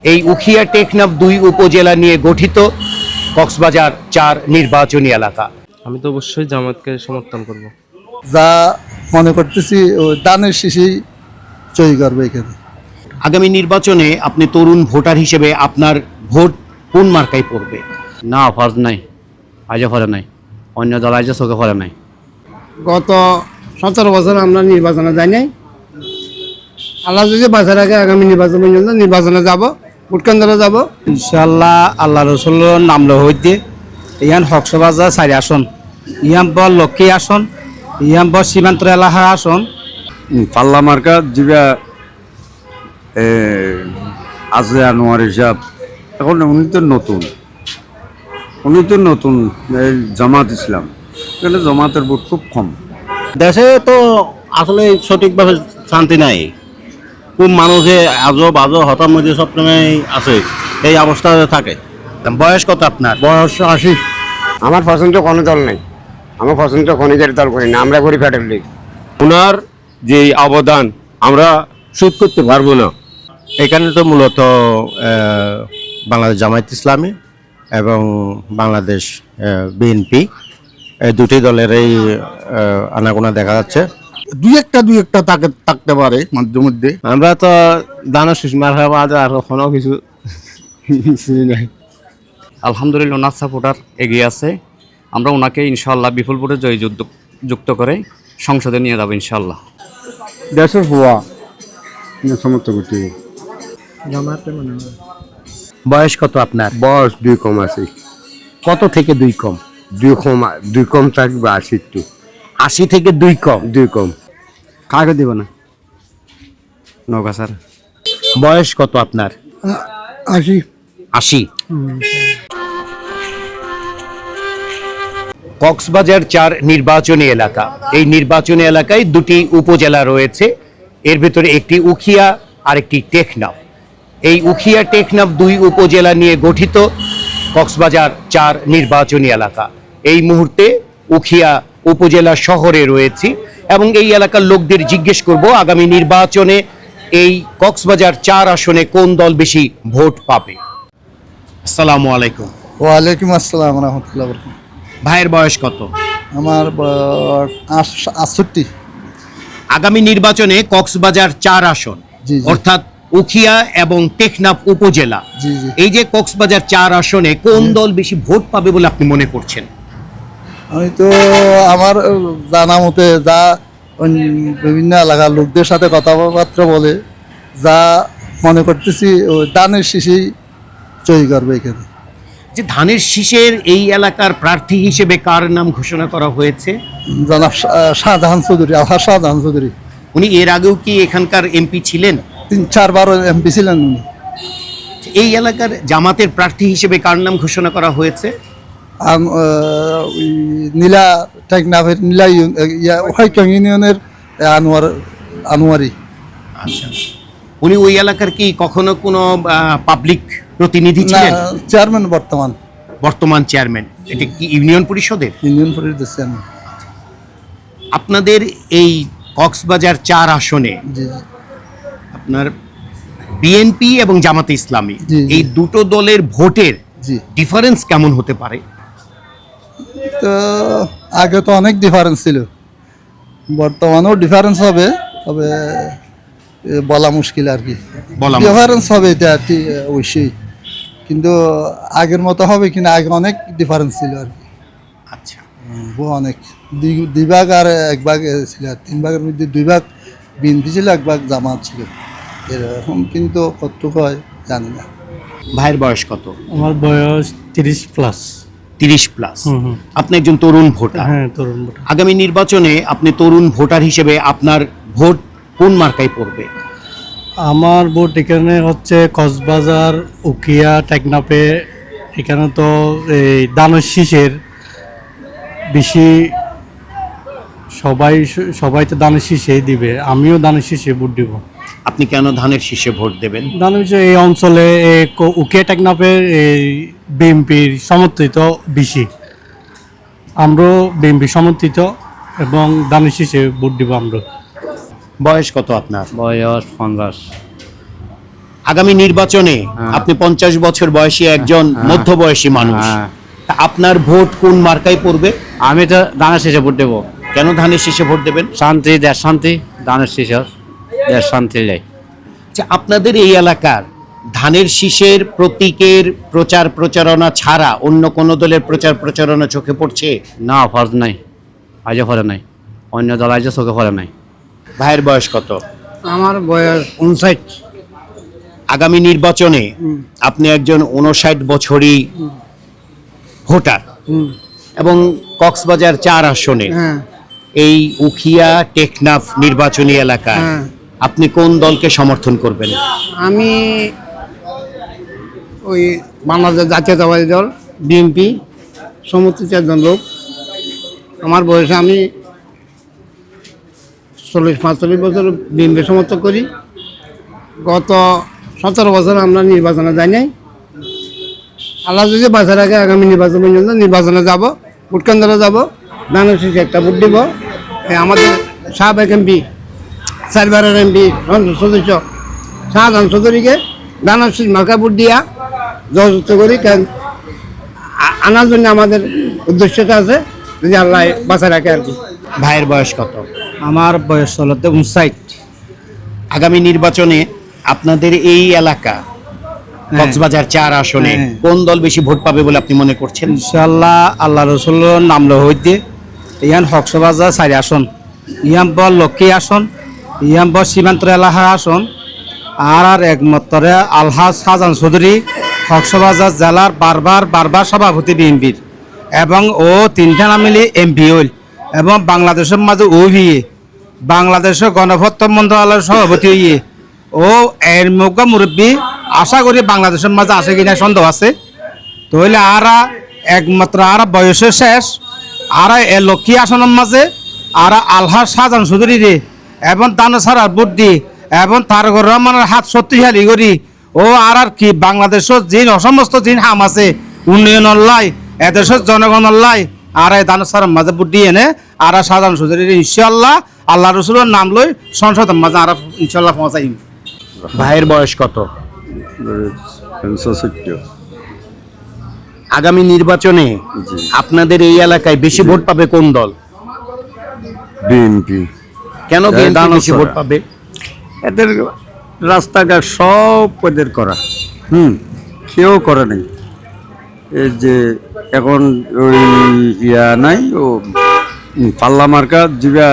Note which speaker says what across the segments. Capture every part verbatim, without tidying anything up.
Speaker 1: এই উখিয়া টেকনাফ দুই উপজেলা নিয়ে গঠিত কক্সবাজার চার নির্বাচনী এলাকা।
Speaker 2: আমি তো অবশ্যই জামাতকে সমর্থন করব।
Speaker 3: যা মনে করতেছি দানের শিশি জয়ী করবে এখানে।
Speaker 1: আগামী নির্বাচনে আপনি তরুণ ভোটার হিসেবে আপনার ভোট কোন মার্কায় পড়বে?
Speaker 4: না, ফরজ নাই, আজও ফলে নাই, অন্য দল আজও চোখে ফলে নাই।
Speaker 5: গত সতেরো বছর আমরা নির্বাচনে যাই নাই। আল্লাহ যদি বাঁচার আগে আগামী নির্বাচন পর্যন্ত নির্বাচনে যাব, ভোট কেন্দ্রে যাব
Speaker 6: ইনশাল্লাহ। আল্লাহ রসুল্লোর নাম লো হইতে ইয়ান হকসবাজার চারি আসন, ইয়াম বর লক্ষ্মী আসন, ইয়াম বর সীমান্ত এলাকা আসন।
Speaker 7: পাল্লা মার্কা যেটা আছে আনোয়ার হিসাব, এখন উনি তো নতুন উনি তো নতুন এই জামাত ইসলাম, এখানে জামাতের ভোট খুব কম।
Speaker 4: দেশে তো আসলে সঠিকভাবে শান্তি নাই, খুব মানুষে আজও বাজো হতার মধ্যে সবসময় আছে, এই অবস্থাতে থাকে।
Speaker 1: বয়স কত আপনার?
Speaker 5: বয়স আশি।
Speaker 8: আমার পছন্দ কোনো দল নাই, আমার পছন্দ খনিজের দল করি না, আমরা করি ফেডারেল লীগ।
Speaker 9: ওনার যে অবদান আমরা শোধ করতে পারবো না।
Speaker 10: এখানে তো মূলত বাংলাদেশ জামায়াত ইসলামী এবং বাংলাদেশ বিএনপি এই দুটি দলেরই আনাগোনা দেখা যাচ্ছে।
Speaker 3: দুই একটা দুই একটা তাকে থাকতে পারে মধ্যে মধ্যে।
Speaker 10: আমরা তো দানা সুষমার আর কোনো কিছু নাই।
Speaker 11: আলহামদুলিল্লাহ ওনার সাপোর্টার এগিয়ে আছে, আমরা ওনাকে ইনশাআল্লাহ বিপুল ভোটে জয় যুক্ত করে সংসদে নিয়ে যাবো ইনশাআল্লাহ।
Speaker 7: দেশের হওয়া সমর্থ করতে।
Speaker 1: বয়স কত আপনার?
Speaker 7: বয়স দুই কম আছে।
Speaker 1: কত থেকে দুই কম?
Speaker 7: দুই কম দুই কম থাকবে আশি, একটু
Speaker 1: আশি থেকে দুই কম।
Speaker 7: দুই কম
Speaker 6: কাকে দিব না নৌকা স্যার।
Speaker 1: বয়স কত আপনার?
Speaker 3: আশি।
Speaker 1: আশি। কক্সবাজার চার নির্বাচনী এলাকা। এই নির্বাচনী এলাকায় দুটি উপজেলা রয়েছে, এর ভিতরে একটি উখিয়া আর একটি টেকনাফ। এই উখিয়া টেকনাফ দুই উপজেলা নিয়ে গঠিত কক্সবাজার চার নির্বাচনী এলাকা। এই মুহূর্তে উখিয়া উপজেলা শহরে রয়েছি এবং এই এলাকার লোকদের জিজ্ঞেস করব আগামী নির্বাচনে এই কক্সবাজার চার আসনে কোন দল বেশি ভোট পাবে। আসসালামু আলাইকুম।
Speaker 3: ওয়ালাইকুম আসসালাম রহমতুল্লাহ।
Speaker 1: ভাইয়ের বয়স কত?
Speaker 3: আমার আটষট্টি।
Speaker 1: আগামী নির্বাচনে কক্সবাজার চার আসন,
Speaker 3: জি, জি।
Speaker 1: অর্থাৎ উখিয়া এবং টেকনাফ উপজেলা,
Speaker 3: জি, জি।
Speaker 1: এই যে কক্সবাজার চার আসনে কোন দল বেশি ভোট পাবে বলে আপনি মনে করছেন?
Speaker 3: আমি তো আমার জানা মতে যা বিভিন্ন এলাকার লোকদের সাথে কথাবার্তা বলে যা মনে করতেছি দানের শিশি জয়ী করবে এখানে।
Speaker 1: যে ধানের শীষের এই এলাকার প্রার্থী হিসেবে কার নাম ঘোষণা করা হয়েছে?
Speaker 3: জনাব শাহজাহান চৌধুরী, আলহাজ শাহজাহান চৌধুরী।
Speaker 1: উনি এর আগেও কি এখানকার এমপি ছিলেন?
Speaker 3: তিন চারবার এমপি ছিলেন উনি।
Speaker 1: এই এলাকার জামাতের প্রার্থী হিসেবে কার নাম ঘোষণা করা হয়েছে?
Speaker 3: নীলা টেকনাফের নীলা ইউনিয়নের আনোয়ার আনোয়ারি।
Speaker 1: আচ্ছা, উনি ওই এলাকার কি কখনো কোনো পাবলিক প্রতিনিধি ছিলেন?
Speaker 3: চেয়ারম্যান বর্তমান
Speaker 1: বর্তমান চেয়ারম্যান। এটা কি ইউনিয়ন পরিষদের?
Speaker 3: ইউনিয়ন পরিষদের চেয়ারম্যান।
Speaker 1: আপনাদের এই কক্সবাজার চার আসনে
Speaker 3: জি,
Speaker 1: আপনার বিএনপি এবং জামাতে ইসলামী,
Speaker 3: জি, জি।
Speaker 1: এই দুটো দলের ভোটের
Speaker 3: জি।
Speaker 1: ডিফারেন্স কেমন হতে পারে?
Speaker 3: তো আগে তো অনেক ডিফারেন্স ছিল, বর্তমানেও ডিফারেন্স হবে, তবে বলা মুশকিল আর কি।
Speaker 1: বলা
Speaker 3: ডিফারেন্স হবে এটা ঠিক অবশ্যই, কিন্তু আগের মতো হবে কিনা, আগে অনেক ডিফারেন্স ছিল আর কি।
Speaker 1: আচ্ছা,
Speaker 3: অনেক দুই- দুই ভাগ আর এক ভাগ ছিল, আর তিন ভাগের মধ্যে দুই ভাগ বিএনপি ছিল, এক ভাগ জামাত ছিল, এরকম। কিন্তু কতটুকু হয় জানি না।
Speaker 1: ভাইয়ের বয়স কত?
Speaker 2: আমার বয়স তিরিশ প্লাস।
Speaker 1: তিরিশ প্লাস। আপনি একজন তরুণ ভোটার।
Speaker 2: হ্যাঁ, তরুণ ভোটার।
Speaker 1: আগামী নির্বাচনে আপনি তরুণ ভোটার হিসেবে আপনার ভোট কোন মার্কায় পড়বে?
Speaker 2: আমার ভোট এখানে হচ্ছে কক্সবাজার উখিয়া টেকনাফে। এখানে তো এই দানের শীষের বেশি, সবাই সবাই তো দানের শীষেই দিবে, আমিও দানের শীষে ভোট দিব।
Speaker 1: আপনি কেন ধানের শীষে ভোট দেবেন?
Speaker 2: দানের শীষে এই অঞ্চলে এই ক- উখিয়া টেকনাফের এই বিএনপির সমর্থিত বেশি, আমরাও বিএনপি সমর্থিত এবং দানের শীষে ভোট দিব আমরা।
Speaker 1: বয়স কত আপনার?
Speaker 4: বয়স পঞ্চাশ।
Speaker 1: আগামী নির্বাচনে আপনি পঞ্চাশ বছর বয়সী একজন মধ্যবয়সী মানুষ, তা আপনার ভোট কোন মার্কায় পড়বে?
Speaker 11: আমি তো ধানের শেষে ভোট দেবো।
Speaker 1: কেন ধানের শীষে ভোট দেবেন?
Speaker 11: শান্তি, দেশ শান্তি, ধানের শেষে দেশ শান্তি যায়।
Speaker 1: আচ্ছা, আপনাদের এই এলাকার ধানের শীষের প্রতীকের প্রচার প্রচারণা ছাড়া অন্য কোন দলের প্রচার প্রচারণা চোখে পড়ছে?
Speaker 11: না, ফরজ নাই, আজও ফরে নাই, অন্য দল আজও চোখে ফরে নাই।
Speaker 1: ভাইয়ের বয়স কত?
Speaker 5: আমার বয়স উনষাট।
Speaker 1: আগামী নির্বাচনে আপনি একজন উনষাট বছরই ভোটার এবং কক্সবাজার চার আসনে
Speaker 5: হ্যাঁ
Speaker 1: এই উখিয়া টেকনাফ নির্বাচনী এলাকায়
Speaker 5: হ্যাঁ
Speaker 1: আপনি কোন দলকে সমর্থন করবেন?
Speaker 5: আমি ওই বাংলাদেশ জাতীয়তাবাদী দল বিএনপি সমর্থিত একজন লোক। আমার বয়সে আমি চল্লিশ পাঁচচল্লিশ বছর বিএনপি সমর্থন করি। গত সতেরো বছর আমরা নির্বাচনে যাই নাই। আল্লাহ যদি বাঁচা রাখে আগামী নির্বাচন পর্যন্ত নির্বাচনে যাব, ভোট কেন্দ্রে যাব, ধানের শীষে একটা ভোট দিব। এই আমাদের সাবেক এমপি, চারবারের এমপি সংসদ সদস্য শাহজাহান চৌধুরীকে ধানের শীষ মার্কা ভোট দিয়া জয়যুক্ত করি। কারণ আ- আনার জন্য আমাদের উদ্দেশ্যটা আছে, যদি আল্লাহ বাঁচা রাখে আর কি।
Speaker 1: ভাইয়ের বয়স কত?
Speaker 6: আমার বয়স হলতে উনষাট।
Speaker 1: আগামী নির্বাচনে আপনাদের এই এলাকা কক্সবাজার চার আসনে
Speaker 6: হ্যাঁ।
Speaker 1: কোন দল বেশি ভোট পাবে বলে আপনি মনে করছেন?
Speaker 6: ইনশাল্লাহ আল্লাহ রসুল্লোর নাম লো হইতে ইয়ান হকসবাজার চারি আসন, ইয়াম বল লক্ষ্মী আসন, ইয়াম বল সীমান্ত এলাকার আসন, আর আর একমাত্র আলহাজ শাহজাহান চৌধুরী হকসবাজার জেলার বারবার বারবার সভাপতি বিএনপির, এবং ও তিনটা নামিলে এমপি হইল, এবং বাংলাদেশের মাঝে ও ভিয়ে বাংলাদেশের গণভোট মন্ত্রণালয়ের সভাপতি হইয়ে ও এর মুখা মুরব্বী। আশা করি বাংলাদেশের মাঝে আসে কিনা সন্দেহ আছে। তাহলে আরা একমাত্র আরা বয়সের শেষ, আরা এ লক্ষ্মী আসনের মাঝে আরা আলহাজ শাহজাহান চৌধুরী রে এবং দানো সারার বুদ্ধি এবং তারকর রহমানের হাত শক্তিশালী করি ও আর আর কি বাংলাদেশের যে সমস্ত জিন হাম আছে উন্নয়নের লাই, এদেশের জনগণের লাই, আর এই দানো সারার মাঝে বুদ্ধি এনে আরা শাহজাহান চৌধুরী ইনশাল্লাহ আল্লাহ রসুলের নাম লই সংসদের মাঝে আরা ইনশাল্লাহ পৌঁছাই।
Speaker 1: ভাইয়ের বয়স কত? আগামী নির্বাচনে আপনাদের এই এলাকায় বেশি ভোট পাবে কোন দল?
Speaker 7: বিএনপি।
Speaker 1: কেন বিএনপি বেশি ভোট পাবে?
Speaker 7: এদের রাস্তাঘাট সব ওদের করা, হুম কেউ করে নাই। এই যে এখন ওই ইয়া নাই ও পাল্লা মার্কা যেটা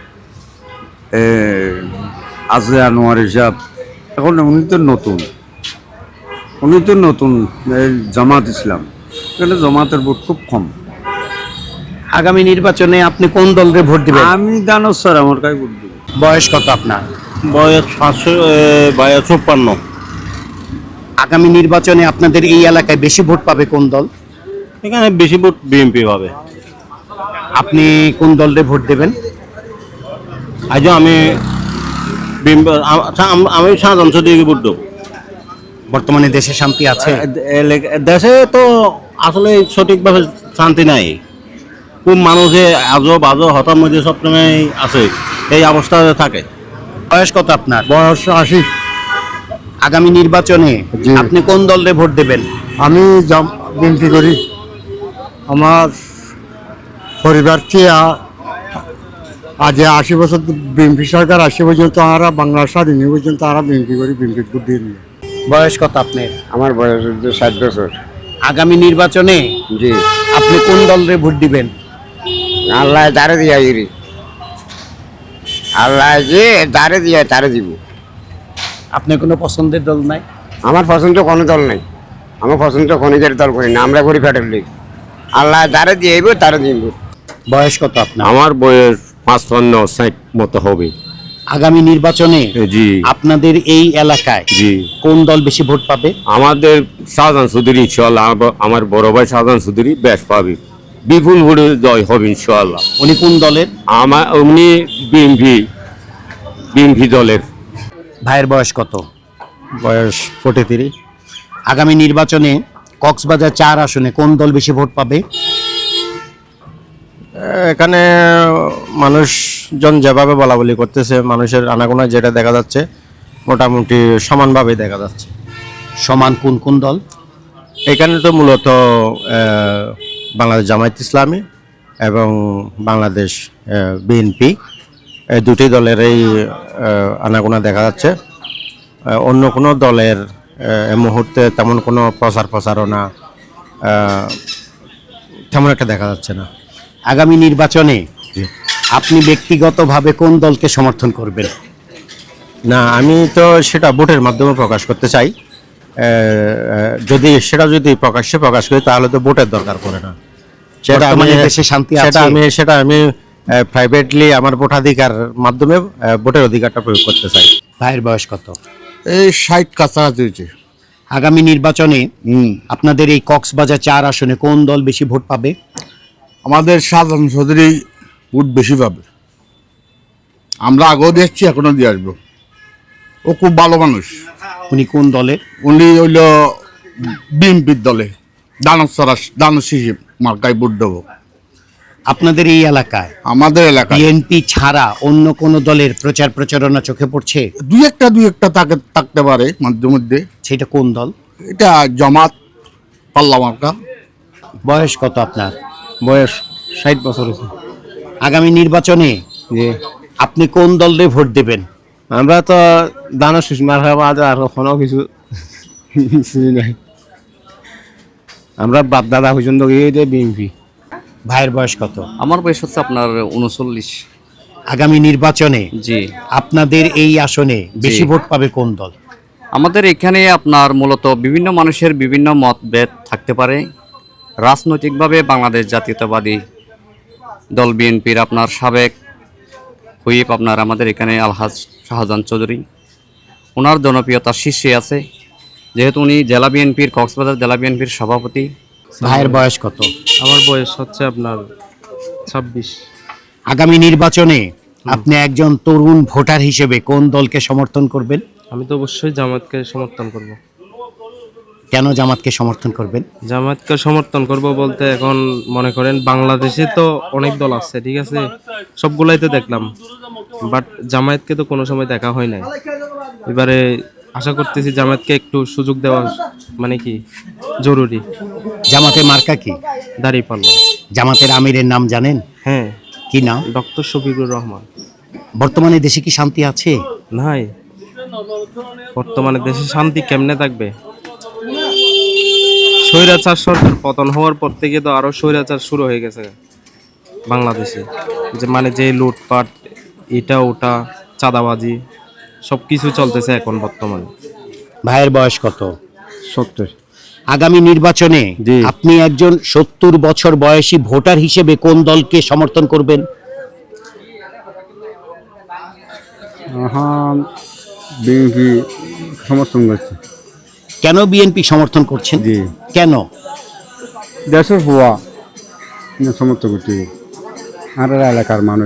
Speaker 7: আছে আনোয়ার হিসাব, এখন উনি তো নতুন, উনি তো নতুন এই জামাত ইসলাম, এখানে জামাতের ভোট খুব কম।
Speaker 1: আগামী নির্বাচনে আপনি কোন দলকে ভোট দিবেন?
Speaker 7: আমি জানো স্যার আমার কাছে ভোট দিব।
Speaker 1: বয়স কত আপনার?
Speaker 4: বয়স পাঁচশো বয়স চুপ্পান্ন।
Speaker 1: আগামী নির্বাচনে আপনাদের এই এলাকায় বেশি ভোট পাবে কোন দল?
Speaker 4: এখানে বেশি ভোট বিএনপি পাবে।
Speaker 1: আপনি কোন দলকে ভোট দেবেন?
Speaker 4: আজও আমি বিএনপি আমি শাহজাহান চৌধুরীকে ভোট দেবো।
Speaker 1: বর্তমানে দেশে শান্তি আছে?
Speaker 4: দেশে তো আসলে সঠিকভাবে শান্তি নাই। খুব মানুষে আজব আজব হতার মধ্যে সবসময় আছে, এই অবস্থাতে থাকে।
Speaker 1: বয়স কত আপনার?
Speaker 3: বয়স আশি।
Speaker 1: আগামী নির্বাচনে
Speaker 3: জি।
Speaker 1: আপনি কোন দলকে ভোট দেবেন?
Speaker 3: আমি বিএনপি করি। আমার পরিবারকে আ- আজ আশি বছর বিএনপি সরকার আসে পর্যন্ত আমরা বাংলা স্বাধীন হয়ে পর্যন্ত আমরা বিএনপি করি, বিএনপি ভোট দিয়ে নিই।
Speaker 1: বয়স কত আপনার?
Speaker 8: আমার বয়স হচ্ছে ষাট বছর।
Speaker 1: আগামী নির্বাচনে
Speaker 8: জি,
Speaker 1: আপনি কোন দলকে ভোট দিবেন?
Speaker 8: আল্লাহ তারে দিয়া গিরি, আল্লাহ যে তারে দিয়া তারে দিব।
Speaker 1: আপনার কোনো পছন্দের দল নাই?
Speaker 8: আমার পছন্দ কোনো দল নাই, আমার পছন্দ খনিজের দল করি না, আমরা করি ফেডারেল লিগ। আল্লাহ তারে দিয়ে তারে দিব।
Speaker 1: বয়স কত আপনার?
Speaker 9: আমার বয়স পাঁচপান্ন ষাট মতো হবে।
Speaker 1: আগামী নির্বাচনে
Speaker 9: জি
Speaker 1: আপনাদের এই এলাকায়
Speaker 9: জি
Speaker 1: কোন দল বেশি ভোট পাবে?
Speaker 9: আমাদের শাহজাহান চৌধুরী ইনশাল্লাহ, আব- আমার বড় ভাই শাহজাহান চৌধুরী বেশ পাবে, বিপুল ভোটে জয় হবে ইনশাল্লাহ।
Speaker 1: উনি কোন দলের?
Speaker 9: আমার উনি বিএনপি বিএনপি দলের।
Speaker 1: ভাইয়ের বয়স কত?
Speaker 10: বয়স ফোর্টি
Speaker 1: আগামী নির্বাচনে কক্সবাজার চার আসনে কোন দল বেশি ভোট পাবে?
Speaker 10: এখানে মানুষজন যেভাবে বলা বলি করতেছে, মানুষের আনাগোনা যেটা দেখা যাচ্ছে,
Speaker 4: মোটামুটি সমানভাবে দেখা যাচ্ছে।
Speaker 1: সমান কোন কোন দল?
Speaker 4: এখানে তো মূলত আহ, বাংলাদেশ জামায়াত ইসলামী এবং বাংলাদেশ বিএনপি এই দুটি দলেরই আহ, আনাগোনা দেখা যাচ্ছে। আহ, অন্য কোনো দলের আহ, এই মুহূর্তে তেমন কোনো প্রচার প্রচারণা আহ, তেমন একটা দেখা যাচ্ছে না।
Speaker 1: আগামী নির্বাচনে আপনি ব্যক্তিগতভাবে কোন দলকে সমর্থন করবেন?
Speaker 4: না, আমি তো সেটা ভোটের মাধ্যমে প্রকাশ করতে চাই। আহ, যদি সেটা যদি প্রকাশ্যে প্রকাশ করি তাহলে তো ভোটের দরকার পড়ে না। সেটা আমি
Speaker 1: বর্তমানে দেশে শান্তি
Speaker 4: সেটা
Speaker 1: আছে?
Speaker 4: আমি সেটা আমি প্রাইভেটলি আমার ভোটাধিকার মাধ্যমে আহ, ভোটের অধিকারটা প্রয়োগ করতে চাই।
Speaker 1: ভাইয়ের বয়স কত?
Speaker 5: এই ষাট কাছাকাছি হয়েছে।
Speaker 1: আগামী নির্বাচনে আপনাদের এই কক্সবাজার চার আসনে কোন দল বেশি ভোট পাবে?
Speaker 5: আমাদের শাহজাহান চৌধুরী ভোট বেশি পাবে। আমরা আগেও দেখছি, এখনো দিয়ে আসবো। ও খুব ভালো মানুষ।
Speaker 1: উনি কোন দলের?
Speaker 5: উনি হইল বিএনপির দলে দানব সরাস দানব শিশির মার্কায় ভোট দেবো।
Speaker 1: আপনাদের এই এলাকায়
Speaker 5: আমাদের এলাকায়
Speaker 1: বিএনপি ছাড়া অন্য কোন দলের প্রচার প্রচারণা চোখে পড়ছে?
Speaker 5: দুই একটা দুই একটা তাকে থাকতে পারে মধ্যে মধ্যে।
Speaker 1: সেটা কোন দল?
Speaker 5: এটা জামাত পাল্লা মার্কা।
Speaker 1: বয়স কত আপনার?
Speaker 10: বয়স ষাট বছর হয়েছে।
Speaker 1: আগামী নির্বাচনে
Speaker 10: জি,
Speaker 1: আপনি কোন দলে ভোট দেবেন?
Speaker 10: আমরা তো দানের শীষ মার খাওয়া আর কোনো কিছু কিছুই নাই। আমরা বাপ দাদা পর্যন্ত গিয়ে বিএনপি।
Speaker 1: ভাইয়ের বয়স কত?
Speaker 11: আমার বয়স হচ্ছে আপনার উনচল্লিশ।
Speaker 1: আগামী নির্বাচনে
Speaker 11: জি,
Speaker 1: আপনাদের এই আসনে বেশি
Speaker 11: জি।
Speaker 1: ভোট পাবে কোন দল?
Speaker 11: আমাদের এখানে আপনার মূলত বিভিন্ন মানুষের বিভিন্ন মতভেদ থাকতে পারে। রাজনৈতিকভাবে বাংলাদেশ জাতীয়তাবাদী দল বিএনপির আপনার সাবেক হুইপ আপনার আমাদের এখানে আলহাজ শাহজাহান চৌধুরী, ওনার জনপ্রিয়তা শীর্ষে আছে, যেহেতু উনি জেলা বিএনপির কক্সবাজার জেলা বিএনপির সভাপতি।
Speaker 1: ভাইয়ের বয়স কত?
Speaker 6: আমার বয়স হচ্ছে আপনার ছাব্বিশ।
Speaker 1: আগামী নির্বাচনে আপনি একজন তরুণ ভোটার হিসেবে কোন দলকে সমর্থন করবেন?
Speaker 6: আমি তো অবশ্যই জামাতকে সমর্থন করব।
Speaker 1: কেন জামাতকে সমর্থন করবেন?
Speaker 6: জামাতকে সমর্থন করব বলতে এখন মনে করেন বাংলাদেশে তো অনেক দল আছে, ঠিক আছে, সবগুলাই তো দেখলাম, বাট জামায়াতকে তো কোনো সময় দেখা হয় নাই। এবারে আশা করতেছি জামায়াতকে একটু সুযোগ দেওয়া মানে কি জরুরি।
Speaker 1: জামাতের মার্কা কি?
Speaker 6: দাঁড়িপাল্লা।
Speaker 1: জামাতের আমিরের নাম জানেন?
Speaker 6: হ্যাঁ,
Speaker 1: কি নাম?
Speaker 6: ডক্টর শফিকুর রহমান।
Speaker 1: বর্তমানে দেশে কি শান্তি আছে?
Speaker 6: নাই, বর্তমানে দেশে শান্তি কেমনে থাকবে? স্বৈরাচার সরকার পতন হওয়ার পর থেকে তো আরো স্বৈরাচার শুরু হয়ে গেছে বাংলাদেশে। যে মানে যে লুটপাট, এটা ওটা, চাঁদাবাজি, সব কিছু চলতেছে এখন বর্তমানে।
Speaker 1: ভাইয়ের বয়স কত?
Speaker 7: সত্তর।
Speaker 1: আগামী নির্বাচনে
Speaker 7: জি।
Speaker 1: আপনি একজন সত্তর বছর বয়সী ভোটার হিসেবে কোন দলকে সমর্থন করবেন?
Speaker 7: হ্যাঁ, বিএনপি সমর্থন করছে।
Speaker 1: কেন বিএনপি সমর্থন করছেন?
Speaker 7: জি।
Speaker 1: কেন?
Speaker 7: দেশের হওয়া সমর্থন করছে আর এলাকার মানুষ।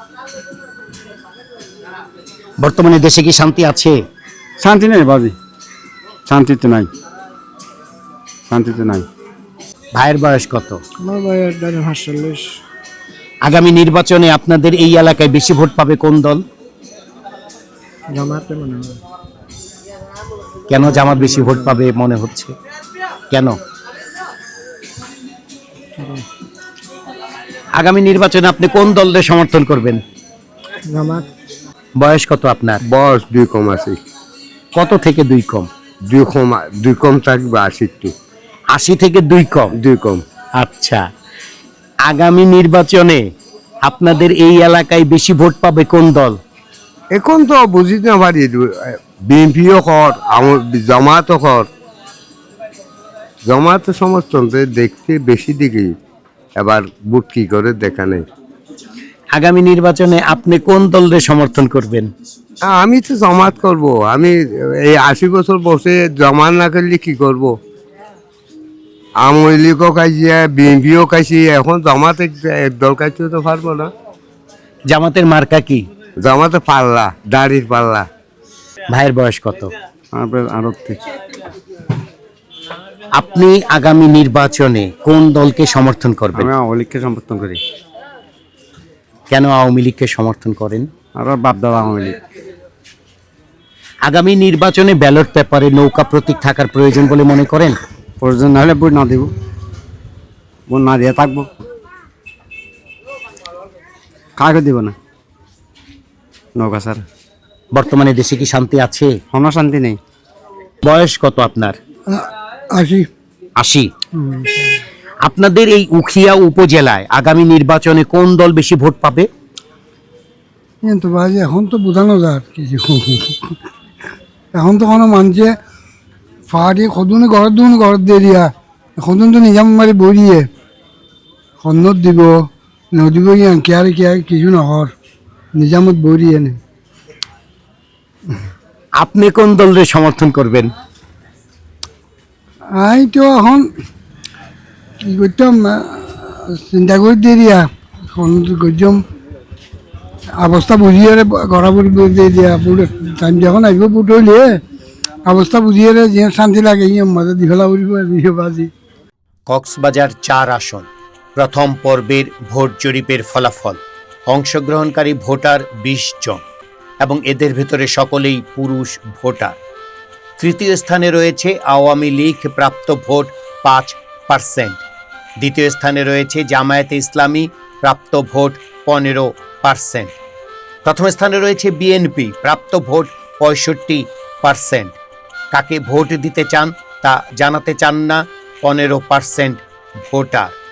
Speaker 1: বর্তমানে দেশে কি শান্তি আছে?
Speaker 7: শান্তি নেই বাজি, শান্তিতে নাই, শান্তিতে নাই।
Speaker 1: ভাইয়ের বয়স কত?
Speaker 5: আমার বয়স সাতচল্লিশ।
Speaker 1: আগামী নির্বাচনে আপনাদের এই এলাকায় বেশি ভোট পাবে কোন দল?
Speaker 5: জামাতে মনে হয়।
Speaker 1: কেন জামাত বেশি ভোট পাবে মনে হচ্ছে? কেন? আগামী নির্বাচনে আপনি কোন দলের সমর্থন করবেন?
Speaker 5: জামাত।
Speaker 1: বয়স কত আপনার?
Speaker 8: বয়স দুই কম আছে।
Speaker 1: কত থেকে দুই কম?
Speaker 8: দুই কম দুই কম থাকবে আশি টু
Speaker 1: আশি থেকে দুই কম।
Speaker 8: দুই কম।
Speaker 1: আচ্ছা, আগামী নির্বাচনে আপনাদের এই এলাকায় বেশি ভোট পাবে কোন দল?
Speaker 8: এখন তো বুঝি না পারি, বিএনপিও কর, আমার জামাতও কর। জামাত সমর্থন দেখতে বেশি দিকে, এবার বুট কি করে দেখা নেই।
Speaker 1: আগামী নির্বাচনে আপনি কোন দলের সমর্থন করবেন?
Speaker 8: আমি তো জামাত করব। আমি এই আশি বছর বসে জামাত না করলে কি করব? আওয়ামী লীগও খাইছি, বিএনপিও খাইছি, এখন জামাত এক দল খাইতে তো পারবো না।
Speaker 1: জামাতের মার্কা কি?
Speaker 8: জামাতে পাল্লা, দাড়ির পাল্লা।
Speaker 1: ভাইয়ের বয়স কত?
Speaker 7: আরতি।
Speaker 1: আপনি আগামী নির্বাচনে কোন দলকে সমর্থন করবেন?
Speaker 7: আমি আওয়ামী লীগকে সমর্থন করি।
Speaker 1: কেন আওয়ামী লীগকে সমর্থন করেন?
Speaker 7: আর বাপ দাদা আওয়ামী লীগ।
Speaker 1: আগামী নির্বাচনে ব্যালট পেপারে নৌকা প্রতীক থাকার প্রয়োজন বলে মনে করেন?
Speaker 6: প্রয়োজন না হলে ভোট না দিব, ভোট না দিয়ে থাকবো, কাকে দিব না নৌকা স্যার।
Speaker 1: বর্তমানে দেশে কি শান্তি আছে?
Speaker 6: কোনো শান্তি নেই।
Speaker 1: বয়স কত আপনার?
Speaker 3: আসি
Speaker 1: আশি। আপনাদের এই উখিয়া উপজেলায় আগামী নির্বাচনে কোন দল বেশি ভোট পাবে?
Speaker 3: কিন্তু ভাই এখন তো বোঝানো যায় কিছু, এখন তো কোনো মানুষে ফাড়ি সদনে ঘৰত দুন ঘৰত দিয়ে দিয়া, সদন তো নিজাম মারি বরিয়ে সন্নত দিব নদিব কেয়ারে কেয়ার কিছু নহর নিজামত বরিয়ে নেই।
Speaker 1: আপনি কোন দলের সমর্থন করবেন?
Speaker 3: আই তো এখন কি করতাম চিন্তা করে দিয়ে দিয়া সন্নত করতাম অবস্থা বুঝিয়ে গড়াবড়ি দিয়ে দিয়া বুট টাইম যখন আসবো বুট হইলে অবস্থা বুঝিয়ে যে শান্তি লাগে মজা দি ফেলা উড়িব দিয়ে বাজি।
Speaker 1: কক্সবাজার চার আসন প্রথম পর্বের ভোট জরিপের ফলাফল। অংশগ্রহণকারী ভোটার বিশ জন এবং এদের ভেতরে সকলেই পুরুষ ভোটার। তৃতীয় স্থানে রয়েছে আওয়ামী লীগ, প্রাপ্ত ভোট পাঁচ পার্সেন্ট। দ্বিতীয় স্থানে রয়েছে জামায়াতে ইসলামী, প্রাপ্ত ভোট পনেরো পার্সেন্ট। প্রথম স্থানে রয়েছে বিএনপি, প্রাপ্ত ভোট পঁয়ষট্টি পার্সেন্ট। কাকে ভোট দিতে চান তা জানাতে চান না পনেরো পার্সেন্ট ভোটার।